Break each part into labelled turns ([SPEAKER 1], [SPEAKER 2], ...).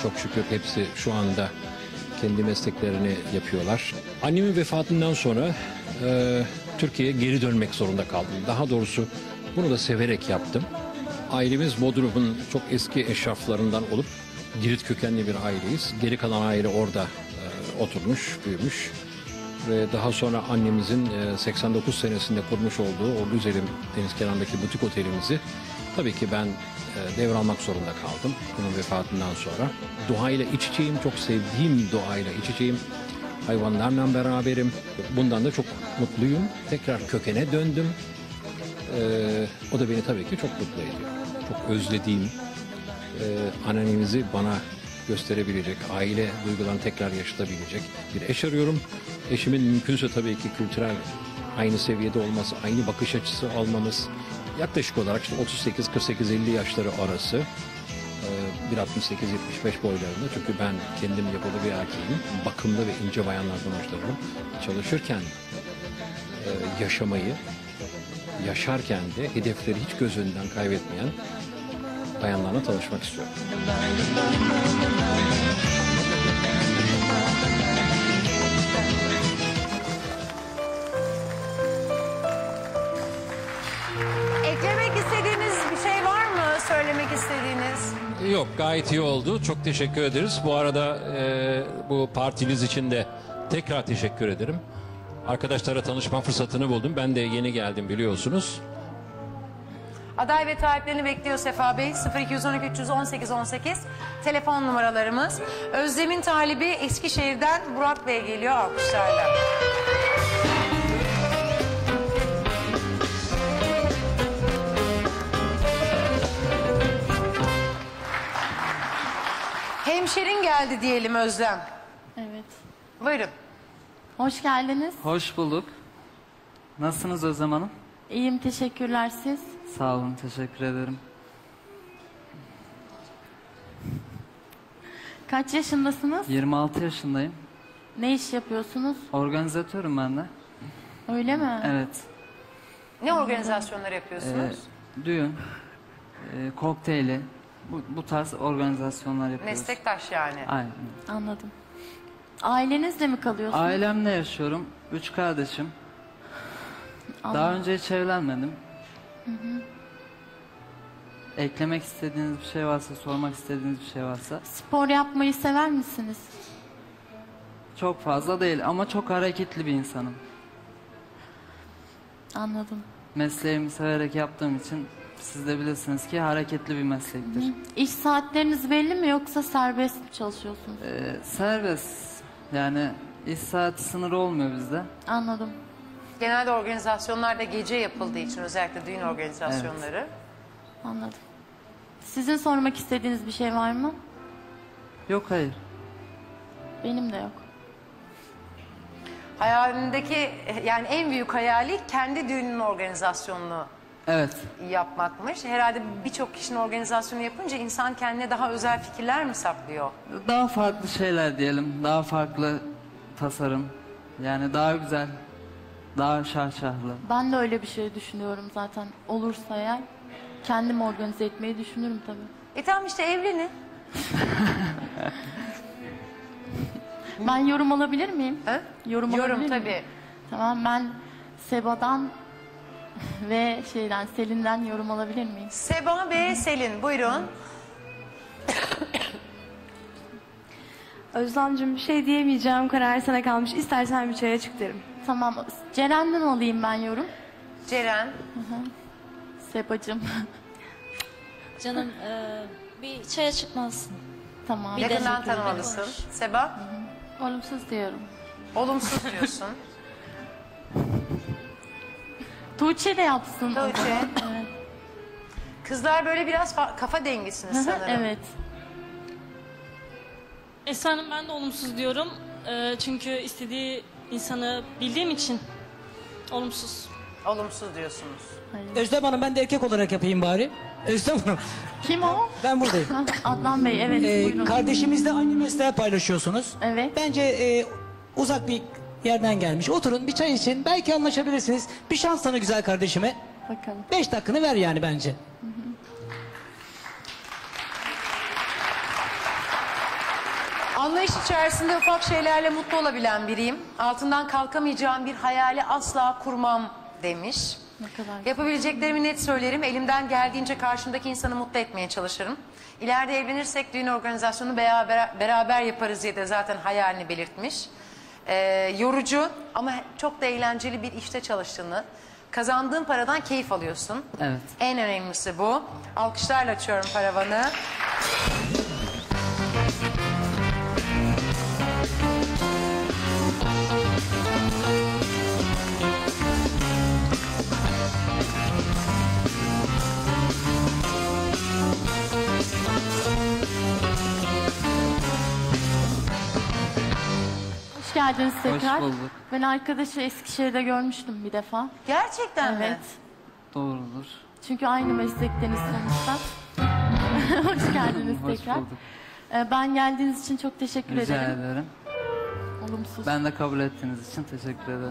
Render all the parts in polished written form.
[SPEAKER 1] Çok şükür hepsi şu anda kendi mesleklerini yapıyorlar. Annemin vefatından sonra Türkiye'ye geri dönmek zorunda kaldım. Daha doğrusu bunu da severek yaptım. Ailemiz Bodrum'un çok eski eşraflarından olup Girit kökenli bir aileyiz. Geri kalan aile orada oturmuş, büyümüş. Ve daha sonra annemizin 89 senesinde kurmuş olduğu o güzelim deniz kenarındaki butik otelimizi tabii ki ben devralmak zorunda kaldım onun vefatından sonra. Doğayla iç içeyim, çok sevdiğim doğayla iç içeyim. Hayvanlarla beraberim. Bundan da çok mutluyum. Tekrar kökene döndüm. O da beni tabii ki çok mutlu ediyor. Çok özlediğim, annemizi bana gösterebilecek, aile duygularını tekrar yaşatabilecek bir eş arıyorum. Eşimin mümkünse tabii ki kültürel aynı seviyede olması, aynı bakış açısı almamız. Yaklaşık olarak işte 38-48-50 yaşları arası. 1.68-75 boylarında. Çünkü ben kendim yapılı bir erkeğim. Bakımlı ve ince bayanlardan hoşlanırım. Çalışırken yaşamayı, yaşarken de hedefleri hiç göz önünden kaybetmeyen bayanlarla tanışmak istiyorum.
[SPEAKER 2] Eklemek istediğiniz bir şey var mı? Söylemek istediğiniz?
[SPEAKER 1] Yok, gayet iyi oldu. Çok teşekkür ederiz. Bu arada bu partiniz için de tekrar teşekkür ederim. Arkadaşlara tanışma fırsatını buldum. Ben de yeni geldim biliyorsunuz.
[SPEAKER 2] Aday ve taliplerini bekliyor Sefa Bey. 0212 318 18 telefon numaralarımız. Özlem'in talibi Eskişehir'den Burak Bey geliyor alkışlarla. Hemşerin geldi diyelim Özlem.
[SPEAKER 3] Evet.
[SPEAKER 2] Buyurun.
[SPEAKER 3] Hoş geldiniz.
[SPEAKER 4] Hoş bulduk. Nasılsınız Özlem Hanım?
[SPEAKER 3] İyiyim, teşekkürler siz.
[SPEAKER 4] Sağ olun, teşekkür ederim.
[SPEAKER 3] Kaç yaşındasınız?
[SPEAKER 4] 26 yaşındayım.
[SPEAKER 3] Ne iş yapıyorsunuz?
[SPEAKER 4] Organizatörüm ben de.
[SPEAKER 3] Öyle mi?
[SPEAKER 4] Evet.
[SPEAKER 2] Ne organizasyonlar yapıyorsunuz?
[SPEAKER 4] Düğün, kokteyli, bu tarz organizasyonlar yapıyoruz.
[SPEAKER 2] Meslektaş yani.
[SPEAKER 4] Aynen.
[SPEAKER 3] Anladım. Ailenizle mi kalıyorsunuz?
[SPEAKER 4] Ailemle yaşıyorum. 3 kardeşim. Daha önce hiç evlenmedim. Eklemek istediğiniz bir şey varsa, sormak istediğiniz bir şey varsa.
[SPEAKER 3] Spor yapmayı sever misiniz?
[SPEAKER 4] Çok fazla değil ama çok hareketli bir insanım.
[SPEAKER 3] Anladım.
[SPEAKER 4] Mesleğimi severek yaptığım için siz de bilirsiniz ki hareketli bir meslektir.
[SPEAKER 3] İş saatleriniz belli mi yoksa serbest mi çalışıyorsunuz?
[SPEAKER 4] Serbest. Yani iş saati sınırı olmuyor bizde.
[SPEAKER 3] Anladım.
[SPEAKER 2] Genelde organizasyonlarda gece yapıldığı için özellikle düğün organizasyonları.
[SPEAKER 4] Evet.
[SPEAKER 3] Anladım. Sizin sormak istediğiniz bir şey var mı?
[SPEAKER 4] Yok, hayır.
[SPEAKER 3] Benim de yok.
[SPEAKER 2] Hayalindeki yani en büyük hayali kendi düğünün organizasyonunu
[SPEAKER 4] Evet.
[SPEAKER 2] yapmakmış. Herhalde birçok kişinin organizasyonu yapınca insan kendine daha özel fikirler mi saklıyor?
[SPEAKER 4] Daha farklı şeyler diyelim. Daha farklı tasarım. Yani daha güzel. Daha şahşahlı.
[SPEAKER 3] Ben de öyle bir şey düşünüyorum zaten. Olursa eğer kendim organize etmeyi düşünürüm tabii.
[SPEAKER 2] Tamam işte evlenin.
[SPEAKER 3] Ben yorum alabilir miyim?
[SPEAKER 2] Ha?
[SPEAKER 3] Yorum alabilir
[SPEAKER 2] Yorum
[SPEAKER 3] miyim?
[SPEAKER 2] tabii.
[SPEAKER 3] Tamam, ben Seba'dan ve Selin'den yorum alabilir miyim?
[SPEAKER 2] Seba ve Selin buyurun.
[SPEAKER 5] Özlemciğim bir şey diyemeyeceğim, karar sana kalmış. İstersen bir çaya çık derim.
[SPEAKER 3] Tamam, Ceren'den alayım ben yorum.
[SPEAKER 2] Ceren.
[SPEAKER 3] Sebacığım.
[SPEAKER 6] Canım bir çaya çıkmazsın.
[SPEAKER 3] Tamam.
[SPEAKER 2] Yakından
[SPEAKER 6] teşekkür ederim.
[SPEAKER 2] tanımalısın. Seba.
[SPEAKER 3] Olumsuz diyorum.
[SPEAKER 2] Olumsuz diyorsun.
[SPEAKER 3] Tuğçe de yapsın.
[SPEAKER 2] Tuğçe.
[SPEAKER 3] Evet.
[SPEAKER 2] Kızlar böyle biraz kafa dengisiniz sanırım.
[SPEAKER 3] Evet.
[SPEAKER 6] Esra Hanım ben de olumsuz diyorum. Çünkü istediği insanı bildiğim için olumsuz.
[SPEAKER 2] Olumsuz diyorsunuz.
[SPEAKER 7] Özlem Hanım, ben de erkek olarak yapayım bari. Özlem Hanım,
[SPEAKER 3] Kim o?
[SPEAKER 7] ben buradayım.
[SPEAKER 3] Adnan Bey, evet. Buyurun.
[SPEAKER 7] Kardeşimizle aynı mesleği paylaşıyorsunuz.
[SPEAKER 3] Evet.
[SPEAKER 7] Bence uzak bir yerden gelmiş. Oturun bir çay için, belki anlaşabilirsiniz. Bir şans tanı güzel kardeşime.
[SPEAKER 3] Bakalım.
[SPEAKER 7] 5 dakikanı ver yani bence.
[SPEAKER 2] Anlayış içerisinde ufak şeylerle mutlu olabilen biriyim. Altından kalkamayacağım bir hayali asla kurmam demiş.
[SPEAKER 3] Ne kadar
[SPEAKER 2] Yapabileceklerimi net söylerim. Elimden geldiğince karşımdaki insanı mutlu etmeye çalışırım. İleride evlenirsek düğün organizasyonunu beraber yaparız diye de zaten hayalini belirtmiş. Yorucu ama çok da eğlenceli bir işte çalıştığını, kazandığın paradan keyif alıyorsun.
[SPEAKER 4] Evet.
[SPEAKER 2] En önemlisi bu. Alkışlarla açıyorum paravanı.
[SPEAKER 3] Hoş geldiniz tekrar.
[SPEAKER 4] bulduk.
[SPEAKER 3] Ben arkadaşı Eskişehir'de görmüştüm bir defa.
[SPEAKER 2] Gerçekten mi?
[SPEAKER 3] Evet.
[SPEAKER 4] Doğrudur.
[SPEAKER 3] Çünkü aynı meslekteniz sonuçta. Hoş geldiniz
[SPEAKER 4] Hoş
[SPEAKER 3] tekrar.
[SPEAKER 4] bulduk.
[SPEAKER 3] Ben geldiğiniz için çok teşekkür
[SPEAKER 4] Rica
[SPEAKER 3] ederim.
[SPEAKER 4] ederim.
[SPEAKER 3] Olumsuz.
[SPEAKER 4] Ben de kabul ettiğiniz için teşekkür ederim.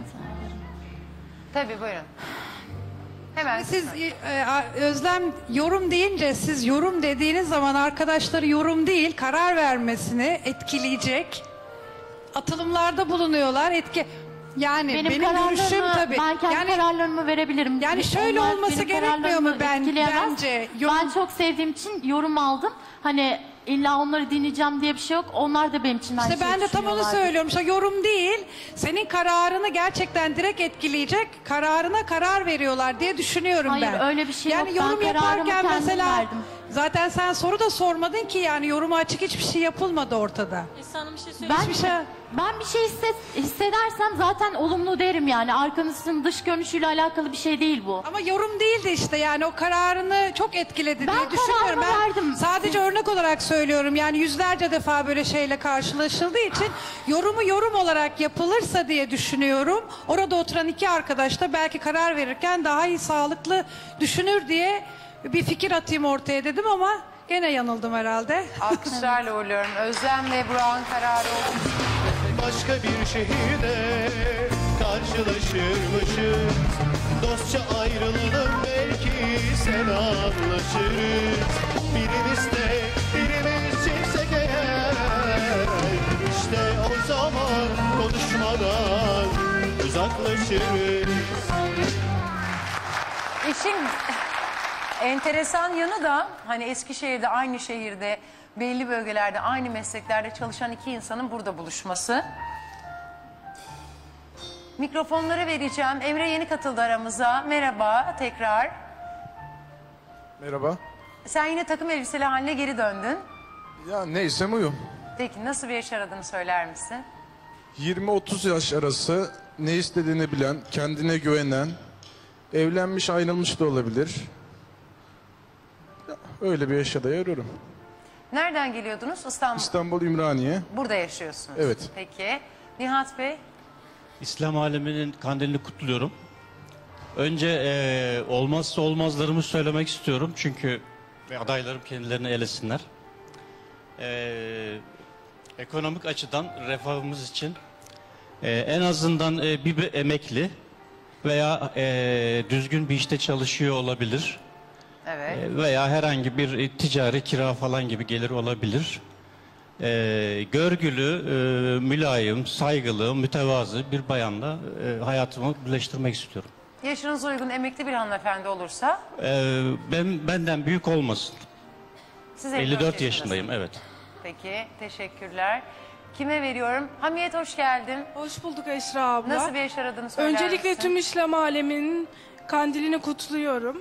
[SPEAKER 2] Tabii buyurun. Hemen.
[SPEAKER 8] Siz Özlem yorum deyince siz yorum dediğiniz zaman arkadaşları yorum değil karar vermesini etkileyecek atılımlarda bulunuyorlar. Benim görüşüm
[SPEAKER 3] kararlarımı,
[SPEAKER 8] tabii.
[SPEAKER 3] Ben kendi kararlarımı verebilirim.
[SPEAKER 8] yani şöyle
[SPEAKER 3] Onlar
[SPEAKER 8] olması
[SPEAKER 3] benim
[SPEAKER 8] gerekmiyor mu
[SPEAKER 3] kararlarımı etkileyemez.
[SPEAKER 8] bence?
[SPEAKER 3] Ben çok sevdiğim için yorum aldım. Hani illa onları dinleyeceğim diye bir şey yok. Onlar da benim için aynı
[SPEAKER 8] İşte
[SPEAKER 3] şeyi
[SPEAKER 8] ben de tam onu
[SPEAKER 3] düşünüyorlardı.
[SPEAKER 8] söylüyorum. İşte yorum değil, senin kararını gerçekten direkt etkileyecek kararına karar veriyorlar diye düşünüyorum
[SPEAKER 3] Hayır,
[SPEAKER 8] ben.
[SPEAKER 3] öyle bir şey
[SPEAKER 8] yani
[SPEAKER 3] yok. Ben
[SPEAKER 8] yorum
[SPEAKER 3] kararımı
[SPEAKER 8] yaparken
[SPEAKER 3] kendim
[SPEAKER 8] mesela
[SPEAKER 3] verdim.
[SPEAKER 8] zaten sen soru da sormadın ki yani yoruma açık hiçbir şey yapılmadı ortada.
[SPEAKER 6] Esra Hanım bir şey söyleyeyim.
[SPEAKER 3] Ben,
[SPEAKER 8] Hiçbir şey.
[SPEAKER 3] ben bir şey hissedersem zaten olumlu derim yani. Arkanızın dış görünüşüyle alakalı bir şey değil bu.
[SPEAKER 8] Ama yorum değildi işte yani o kararını çok etkiledi
[SPEAKER 3] Ben
[SPEAKER 8] diye düşünüyorum.
[SPEAKER 3] kararımı verdim.
[SPEAKER 8] Sadece örnek olarak söylüyorum yani yüzlerce defa böyle şeyle karşılaşıldığı için yorumu yorum olarak yapılırsa diye düşünüyorum. Orada oturan iki arkadaş da belki karar verirken daha iyi sağlıklı düşünür diye bir fikir atayım ortaya dedim ama gene yanıldım herhalde.
[SPEAKER 2] Alkışlarla uğurluyorum. Özlem ve Burak'ın kararı oldu.
[SPEAKER 9] Başka bir şehirde karşılaşırmışız. Dostça ayrılalım belki selamlaşırız. Birimiz de birimiz çiftsek eğer, İşte o zaman konuşmadan uzaklaşırız.
[SPEAKER 2] İşin enteresan yanı da hani Eskişehir'de aynı şehirde belli bölgelerde aynı mesleklerde çalışan iki insanın burada buluşması. Mikrofonları vereceğim. Emre yeni katıldı aramıza. Merhaba tekrar.
[SPEAKER 10] Merhaba.
[SPEAKER 2] Sen yine takım elbiseli haline geri döndün.
[SPEAKER 10] Ya neysem uyum.
[SPEAKER 2] Peki nasıl bir yaş aradığını söyler misin?
[SPEAKER 10] 20-30 yaş arası ne istediğini bilen, kendine güvenen, evlenmiş ayrılmış da olabilir. Ya, öyle bir yaşa da arıyorum.
[SPEAKER 2] Nereden geliyordunuz? İstanbul.
[SPEAKER 10] İstanbul Ümraniye.
[SPEAKER 2] Burada yaşıyorsunuz.
[SPEAKER 10] Evet.
[SPEAKER 2] Peki. Nihat Bey.
[SPEAKER 11] İslam aleminin kandilini kutluyorum. Önce olmazsa olmazlarımı söylemek istiyorum. Çünkü adaylarım kendilerini elesinler. Ekonomik açıdan refahımız için en azından bir emekli veya düzgün bir işte çalışıyor olabilir.
[SPEAKER 2] Evet.
[SPEAKER 11] Veya herhangi bir ticari kira falan gibi gelir olabilir. Görgülü, mülayim, saygılı, mütevazı bir bayanla hayatımı birleştirmek istiyorum.
[SPEAKER 2] Yaşınız uygun emekli bir hanımefendi olursa?
[SPEAKER 11] Benden büyük olmasın.
[SPEAKER 2] Siz
[SPEAKER 11] 54 yaşındayım, evet.
[SPEAKER 2] Peki, teşekkürler. Kime veriyorum? Hamiyet hoş geldin.
[SPEAKER 12] Hoş bulduk Esra abla.
[SPEAKER 2] Nasıl bir yaş aradığını söyler
[SPEAKER 12] Öncelikle
[SPEAKER 2] misin?
[SPEAKER 12] tüm İslam aleminin kandilini kutluyorum.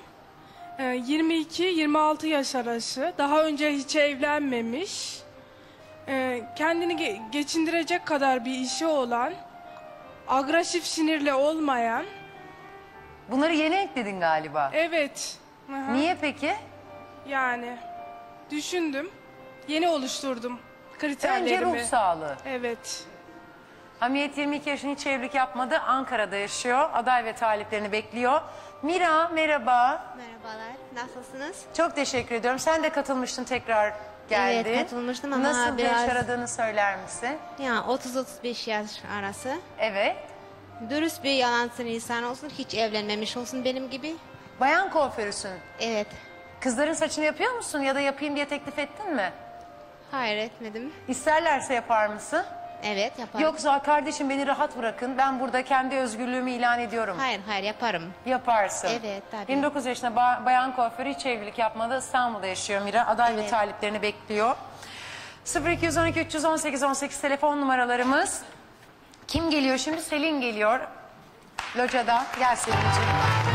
[SPEAKER 12] 22-26 yaş arası. Daha önce hiç evlenmemiş. Kendini geçindirecek kadar bir işi olan, agresif sinirli olmayan.
[SPEAKER 2] Bunları yeni ekledin galiba.
[SPEAKER 12] Evet. Aha.
[SPEAKER 2] Niye peki?
[SPEAKER 12] Yani düşündüm. Yeni oluşturdum kriterlerimi.
[SPEAKER 2] Önce ruh sağlığı.
[SPEAKER 12] Evet.
[SPEAKER 2] Hamiyet 22 yaşında hiç evlilik yapmadı. Ankara'da yaşıyor. Aday ve taliplerini bekliyor. Mira merhaba.
[SPEAKER 13] Merhabalar. Nasılsınız?
[SPEAKER 2] Çok teşekkür ediyorum. Sen de katılmıştın tekrar geldin.
[SPEAKER 13] Evet katılmıştım ama
[SPEAKER 2] Nasıl bir
[SPEAKER 13] biraz...
[SPEAKER 2] yaş aradığını söyler misin?
[SPEAKER 13] Ya 30-35 yaş arası.
[SPEAKER 2] Evet.
[SPEAKER 13] Dürüst bir yalansın insan olsun. Hiç evlenmemiş olsun benim gibi.
[SPEAKER 2] Bayan kuaförüsün.
[SPEAKER 13] Evet.
[SPEAKER 2] Kızların saçını yapıyor musun ya da yapayım diye teklif ettin mi?
[SPEAKER 13] Hayır etmedim.
[SPEAKER 2] İsterlerse yapar mısın?
[SPEAKER 13] Evet yaparım.
[SPEAKER 2] Yoksa kardeşim beni rahat bırakın, ben burada kendi özgürlüğümü ilan ediyorum.
[SPEAKER 13] Hayır yaparım.
[SPEAKER 2] Yaparsın.
[SPEAKER 13] Evet tabii.
[SPEAKER 2] 29 yaşında bayan kuaförü, hiç evlilik yapmadı. İstanbul'da yaşıyor Mira. Aday ve taliplerini bekliyor. 0212 318 18 telefon numaralarımız. Kim geliyor şimdi? Selin geliyor. Locada. Gel Selin'ciğim.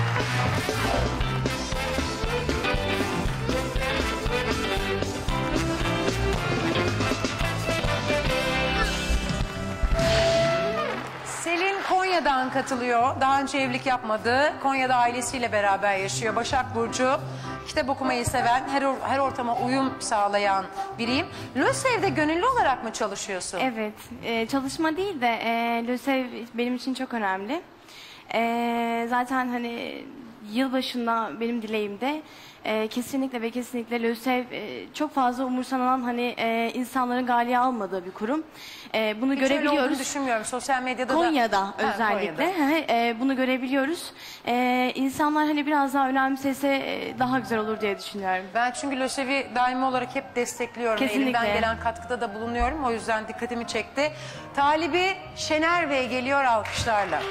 [SPEAKER 2] Selin Konya'dan katılıyor. Daha önce evlilik yapmadı. Konya'da ailesiyle beraber yaşıyor. Başak Burcu. Kitap okumayı seven, her ortama uyum sağlayan biriyim. LÖSEV'de gönüllü olarak mı çalışıyorsun?
[SPEAKER 5] Evet, çalışma değil de LÖSEV benim için çok önemli. Zaten hani yılbaşında benim dileğimde kesinlikle ve kesinlikle LÖSEV çok fazla umursanan hani insanların galeye almadığı bir kurum. Bunu
[SPEAKER 2] Hiç öyle
[SPEAKER 5] görebiliyoruz.
[SPEAKER 2] olduğunu düşünmüyorum. Sosyal medyada
[SPEAKER 5] Konya'da
[SPEAKER 2] da.
[SPEAKER 5] özellikle
[SPEAKER 2] Konya'da.
[SPEAKER 5] bunu görebiliyoruz. İnsanlar hani biraz daha önemsese daha güzel olur diye düşünüyorum.
[SPEAKER 2] Ben çünkü LÖSEV'i daimi olarak hep destekliyorum.
[SPEAKER 5] Kesinlikle.
[SPEAKER 2] Elimden gelen katkıda da bulunuyorum. O yüzden dikkatimi çekti. Talibi Şener Bey geliyor alkışlarla.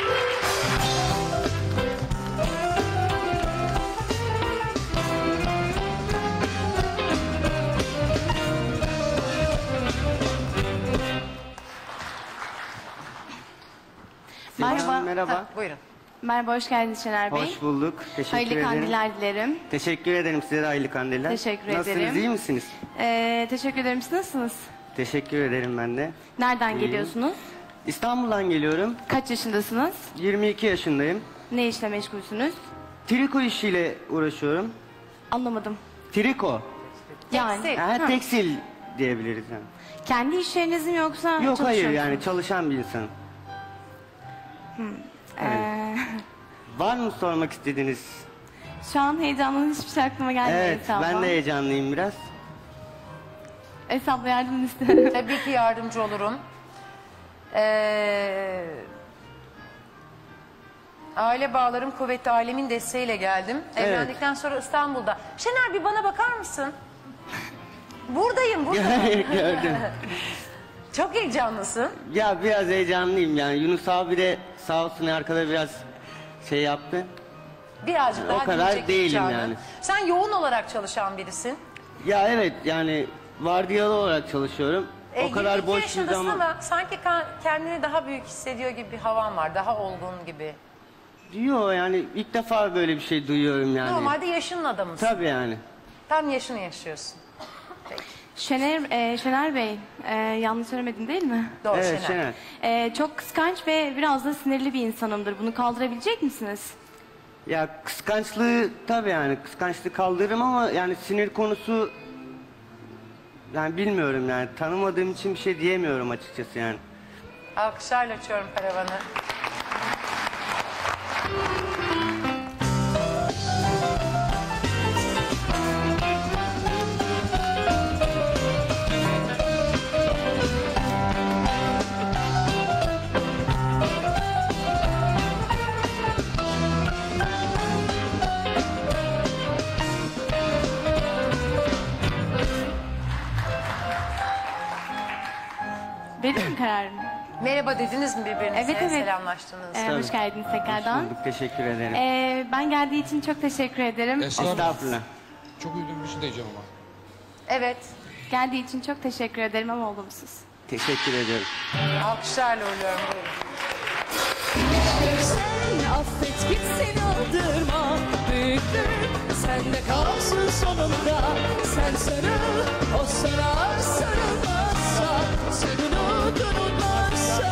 [SPEAKER 5] Merhaba.
[SPEAKER 14] Merhaba.
[SPEAKER 2] Buyurun.
[SPEAKER 5] Merhaba, hoş geldiniz Şener Bey.
[SPEAKER 14] Hoş bulduk. Teşekkür
[SPEAKER 5] Hayırlı
[SPEAKER 14] ederim.
[SPEAKER 5] kandiller dilerim.
[SPEAKER 14] Teşekkür ederim size de hayırlı kandiller.
[SPEAKER 5] Teşekkür
[SPEAKER 14] Nasılsınız,
[SPEAKER 5] ederim.
[SPEAKER 14] iyi misiniz?
[SPEAKER 5] Teşekkür ederim. Siz nasılsınız?
[SPEAKER 14] Teşekkür ederim ben de.
[SPEAKER 5] Nereden
[SPEAKER 14] İyiyim.
[SPEAKER 5] geliyorsunuz?
[SPEAKER 14] İstanbul'dan geliyorum.
[SPEAKER 5] Kaç yaşındasınız?
[SPEAKER 14] 22 yaşındayım.
[SPEAKER 5] Ne işle meşgulsünüz?
[SPEAKER 14] Triko işiyle uğraşıyorum.
[SPEAKER 5] Anlamadım.
[SPEAKER 14] Triko.
[SPEAKER 5] Yani.
[SPEAKER 14] Yani tekstil diyebiliriz yani.
[SPEAKER 5] Kendi iş yeriniz mi yoksa
[SPEAKER 14] Yok
[SPEAKER 5] çalışıyor
[SPEAKER 14] hayır
[SPEAKER 5] musunuz?
[SPEAKER 14] yani çalışan bir insanım. Var mı sormak istediğiniz?
[SPEAKER 5] Şu an heyecanlı hiçbir şey aklıma gelmiyor
[SPEAKER 14] Evet
[SPEAKER 5] Esra abla.
[SPEAKER 14] ben de heyecanlıyım biraz.
[SPEAKER 5] Esra abla yardım isterim.
[SPEAKER 2] Tabii ki yardımcı olurum. Aile bağlarım kuvvetli, ailemin desteğiyle geldim.
[SPEAKER 14] Evet.
[SPEAKER 2] Evlendikten sonra İstanbul'da. Şener bir bana bakar mısın? Buradayım.
[SPEAKER 14] Gördüm.
[SPEAKER 2] Çok heyecanlısın.
[SPEAKER 14] Ya biraz heyecanlıyım yani. Yunus abi de sağ olsun arkada biraz şey yaptı.
[SPEAKER 2] Birazcık daha
[SPEAKER 14] O kadar
[SPEAKER 2] dinleyecek
[SPEAKER 14] değilim
[SPEAKER 2] heyecanı.
[SPEAKER 14] yani.
[SPEAKER 2] Sen yoğun olarak çalışan birisin.
[SPEAKER 14] Ya evet yani vardiyalı olarak çalışıyorum. O kadar
[SPEAKER 2] 22
[SPEAKER 14] boş bir
[SPEAKER 2] yaşındasın
[SPEAKER 14] zaman.
[SPEAKER 2] ama sanki kendini daha büyük hissediyor gibi bir havan var. Daha olgun gibi.
[SPEAKER 14] Diyor yani ilk defa böyle bir şey duyuyorum yani.
[SPEAKER 2] Normalde yaşının adamısın.
[SPEAKER 14] Tabii yani.
[SPEAKER 2] Tam yaşını yaşıyorsun.
[SPEAKER 5] Şener Bey, yanlış söylemedim değil mi?
[SPEAKER 2] Doğru
[SPEAKER 14] Evet,
[SPEAKER 2] Şener.
[SPEAKER 5] Çok kıskanç ve biraz da sinirli bir insanımdır. Bunu kaldırabilecek misiniz?
[SPEAKER 14] Ya kıskançlığı tabii yani kıskançlığı kaldırırım ama yani sinir konusu yani bilmiyorum yani tanımadığım için bir şey diyemiyorum açıkçası yani.
[SPEAKER 2] Alkışlarla açıyorum paravanı.
[SPEAKER 5] Benim mi kararım?
[SPEAKER 2] Merhaba dediniz mi birbirinize?
[SPEAKER 5] Evet.
[SPEAKER 2] Selamlaştınız.
[SPEAKER 5] Hoş geldiniz tekrardan.
[SPEAKER 14] Hoş bulduk, teşekkür ederim.
[SPEAKER 5] Ben geldiği için çok teşekkür ederim.
[SPEAKER 14] Estağfurullah.
[SPEAKER 15] Çok üzüldüğüm bir şey diyeceğim ama.
[SPEAKER 2] Evet.
[SPEAKER 5] Geldiği için çok teşekkür ederim ama olumsuz.
[SPEAKER 14] Teşekkür ediyorum.
[SPEAKER 2] Alkışlarla uğurluyorum. Buyurun.
[SPEAKER 16] Sen affet gitsin aldırma. Büyüklük sende kalsın sonunda. Sen sarıl, o sana sarılmazsa. Sen unutulmazsa.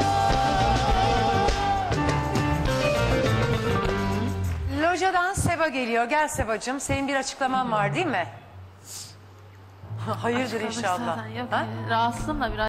[SPEAKER 2] Locadan Seba geliyor. Gel Sebacığım. Senin bir açıklaman var değil mi? Hayırdır inşallah.
[SPEAKER 3] Yok,
[SPEAKER 2] Ha?
[SPEAKER 3] rahatsızım da biraz.